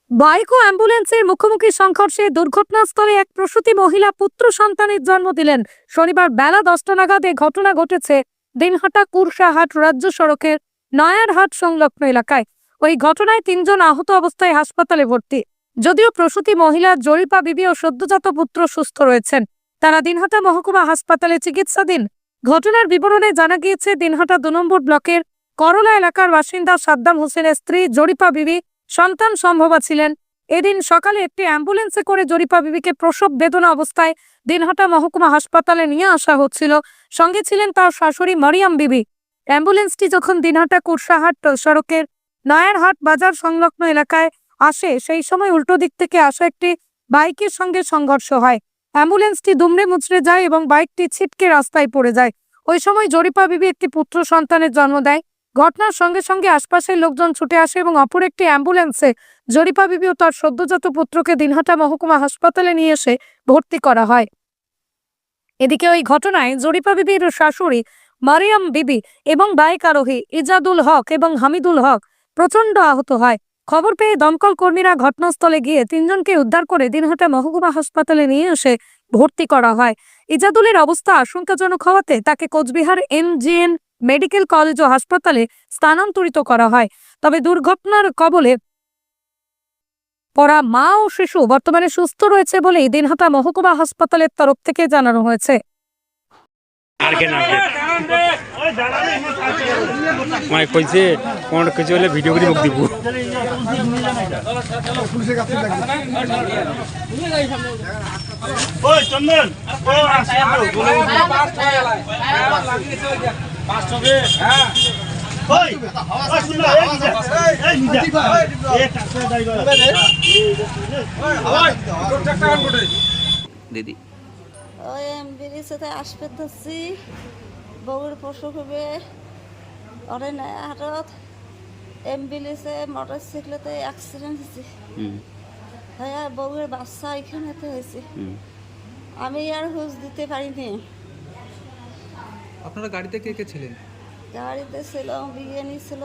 Bike ও অ্যাম্বুলেন্সের মুখোমুখি সংঘর্ষে দুর্ঘটনাস্থলে এক প্রসূতি মহিলা পুত্র সন্তানের জন্ম দিলেন। শনিবার বেলা 10টা নাগাদ এ ঘটনা ঘটেছে দিনহাটা কুরসাহাট রাজ্য সড়কের নয়ারহাট সংলগ্ন এলাকায়। ওই ঘটনায় 3 জন আহত অবস্থায় হাসপাতালে ভর্তি। যদিও প্রসূতি মহিলা জরিপা বিবি ও সদ্যজাত পুত্র সুস্থ রয়েছেন, তারা দিনহাটা মহকুমা হাসপাতালে চিকিৎসাধীন। ঘটনার বিবরণে জানা গিয়েছে, দিনহাটা 2 নম্বর ব্লকের করলা এলাকার বাসিন্দা সাদ্দাম হোসেনের স্ত্রী জরিপা বিবি সন্তান সম্ভবা ছিলেন। এদিন সকালে একটি অ্যাম্বুলেন্সে করে জরিপা বিবিকে প্রসব বেদনা অবস্থায় দিনহাটা মহকুমা হাসপাতালে নিয়ে আসা হচ্ছিল। সঙ্গে ছিলেন তার শাশুড়ি মরিয়ম বিবি। অ্যাম্বুলেন্সটি যখন দিনহাটা কুরসাহাট সড়কের নয়ারহাট বাজার সংলগ্ন এলাকায় আসে, সেই সময় উল্টো দিক থেকে আসা একটি বাইকের সঙ্গে সংঘর্ষ হয়। অ্যাম্বুলেন্সটি দুমড়ে মুচড়ে যায় এবং বাইকটি ছিটকে রাস্তায় পড়ে যায়। ওই সময় জরিপা বিবি একটি পুত্র সন্তানের জন্ম দেয়। ঘটনার সঙ্গে সঙ্গে আশপাশের লোকজন ছুটে আসে এবং অপর একটি অ্যাম্বুলেন্সে জরিপা বিবি ও তার সদ্যজাত পুত্রকে দিনহাটা মহকুমা হাসপাতালে নিয়ে এসে ভর্তি করা হয়। এদিকে ওই ঘটনায় জরিপা বিবির শাশুড়ি মারিয়াম বিবি এবং বাইক আরোহী ইজাদুল হক এবং হামিদুল হক প্রচণ্ড আহত হয়। খবর পেয়ে দমকল কর্মীরা ঘটনাস্থলে গিয়ে 3 জনকে উদ্ধার করে দিনহাটা মহকুমা হাসপাতালে নিয়ে এসে ভর্তি করা হয়। ইজাদুলের অবস্থা আশঙ্কাজনক হওয়াতে তাকে কোচবিহার MGN মেডিকেল কলেজ ও হাসপাতালে স্থানান্তরিত করা হয়। তবে দুর্ঘটনার কবলে পড়া মা ও শিশু বর্তমানে সুস্থ রয়েছে বলেই দিনহাটা মহকুমা হাসপাতালের তরফ থেকে জানানো হয়েছে। কইছে কোন কিছু হলে ভিডিও করে মুখ দিব। ওই চন্দন দিদি ওই এমবিলিসে আসবে ধরছি বউয়ের পশু হবে ওরে নয়া হাটত এমবিলিসে মোটর সাইকেলতে অ্যাক্সিডেন্ট হয়েছে। হ্যাঁ, বউয়ের বাচ্চা এখানেতে হয়েছে। আমি আর হুঁশ দিতে পারিনি। আপনারা গাড়িতে কে কে ছিলেন? গাড়িতে ছিল, বিয়ে ছিল,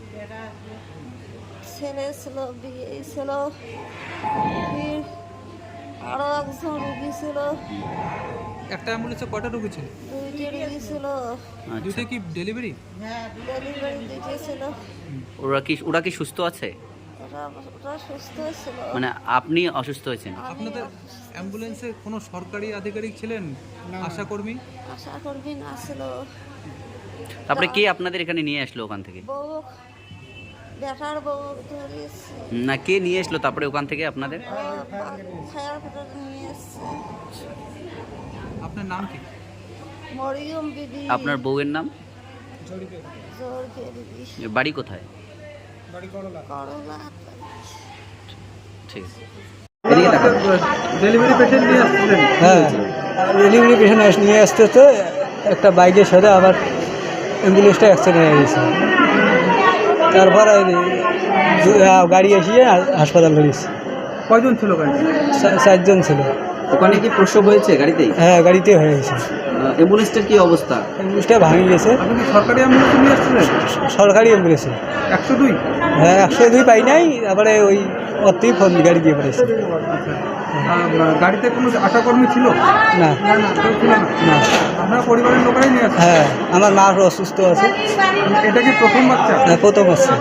ছেলে ছিল, বিয়ে ছিল, ফির আরো একজন রুগী ছিল। একটা অ্যাম্বুলেন্সে কয়টা রোগী ছিল? 2টি রুগী ছিল। দুইটা কি ডেলিভারি? ডেলিভারি 2টি ছিল। ওরা কি সুস্থ আছে? ওরা সুস্থ ছিল। মানে আপনি অসুস্থ হয়েছেন? আপনাদের অ্যাম্বুলেন্সে কোনো সরকারি আধিকারিক ছিলেন? আশাকর্মী? আশাকর্মী না ছিল। তারপরে কে আপনাদের এখানে নিয়ে আসলো ওখান থেকে? বউ, বেটার বউ ধরিয়েছে। না, কে নিয়ে আসলো তারপরে ওখান থেকে আপনাদের? ফায়ার ফাটার নিয়ে এসছে। আপনার নাম কি? মরিয়ম বিবি। আপনার বউয়ের নাম? জরিপে বিবি। বাড়ি কোথায়? করলা। ঠিক আছে। ডেলিভারি পেশেন্ট নিয়ে আসছিলেন? হ্যাঁ, ডেলিভারি পেশেন্ট নিয়ে আসতে তো একটা বাইকের সাথে আবার অ্যাম্বুলেন্সটা অ্যাক্সিডেন্ট হয়ে গেছে। তারপর গাড়ি এসিয়ে হাসপাতাল ধরেছে। কয়জন ছিল গাড়ি? 4 জন ছিল। ওখানে কি প্রসব হয়েছে গাড়িতেই? হ্যাঁ, গাড়িতে হয়ে গেছে। অ্যাম্বুলেন্সটার কি অবস্থা? অ্যাম্বুলেন্সটা ভাঙে গেছে। আপনি কি সরকারি অ্যাম্বুলেন্স নিয়ে আসছিলেন? সরকারি অ্যাম্বুলেন্সে 102? হ্যাঁ, 102 পাই নাই। তারপরে ওই অর্থেই ফোন গাড়ি দিয়ে পড়েছে। গাড়িতে কোনো আশাকর্মী ছিল না, কেউ ছিল না? আপনারা পরিবারের লোকেরাই নিয়ে আসছেন? হ্যাঁ, আমার মা অসুস্থ আছে। এটা কি প্রথম বাচ্চা? হ্যাঁ, প্রথম আছে।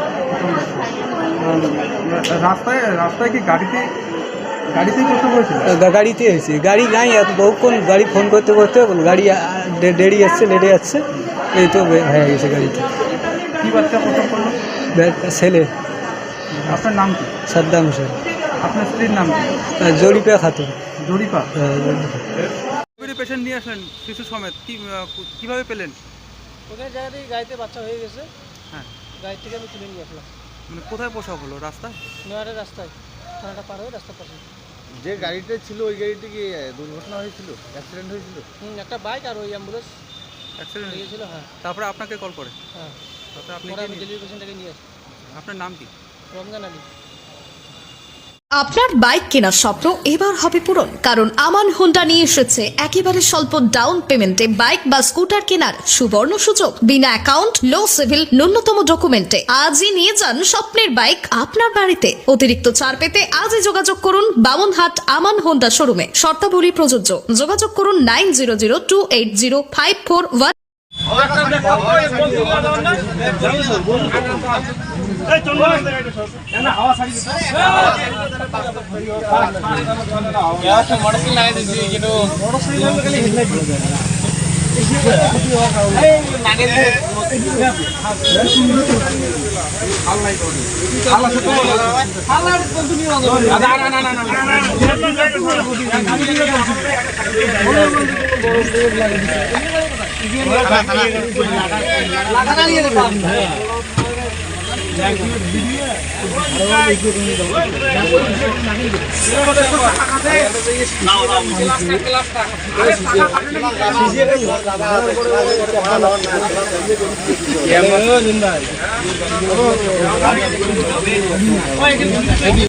রাস্তায় কি গাড়িতেই প্রসব হয়েছিল? গাড়িতে হয়েছে। গাড়ি নাই, এত বহুক্ষণ গাড়ি ফোন করতে করতে গাড়ি দেরি আসছে, লেটে যাচ্ছে, এই তো হয়ে গেছে গাড়িতে। কি বাচ্চা প্রসব করলো? ছেলে। আপনার নাম কি? সাদ্দাম হোসেন। আপনার স্ত্রীর নাম কি? জরিপা খাতুন। জরিপা। জরিপা। ডেলিভারি পেশেন্ট নিয়ে আসলেন শিশু সমেত, কিভাবে পেলেন? ওখানে জায়গাতেই গাড়িতে বাচ্চা হয়ে গেছে। হ্যাঁ, গাড়ি থেকে আমি তুলে নিয়ে আসলাম। মানে কোথায় প্রসব হলো? রাস্তায়? নয়ারের রাস্তায়, থানাটা পার হয়ে রাস্তার পাশে। যে গাড়িটা ছিল ওই গাড়িতে কি দুর্ঘটনা হয়েছিল, অ্যাক্সিডেন্ট হয়েছিল? একটা বাইক আর ওই অ্যাম্বুলেন্স অ্যাক্সিডেন্ট লেগেছিল। হ্যাঁ তারপরে আপনাকে কল করে? হ্যাঁ, তারপরে আপনি পরে আমি ডেলিভারি পেশেন্টটাকে নিয়ে আসি। আপনার নাম কি? রমজান আলী। আপনার বাইক কেনার স্বপ্ন এবার হবে পূরণ, কারণ আমান হোন্ডা নিয়ে এসেছে একেবারে স্বল্প ডাউন পেমেন্টে বাইক বা স্কুটার কেনার সুবর্ণ সুযোগ। বিনা অ্যাকাউন্ট, লো সিভিল, ন্যূনতম ডকুমেন্টে আজই নিয়ে যান স্বপ্নের বাইক আপনার বাড়িতে। অতিরিক্ত ছাড় পেতে আজই যোগাযোগ করুন বামনহাট আমান হোন্ডা শোরুমে। শর্তাবলী প্রযোজ্য। যোগাযোগ করুন 9002805441।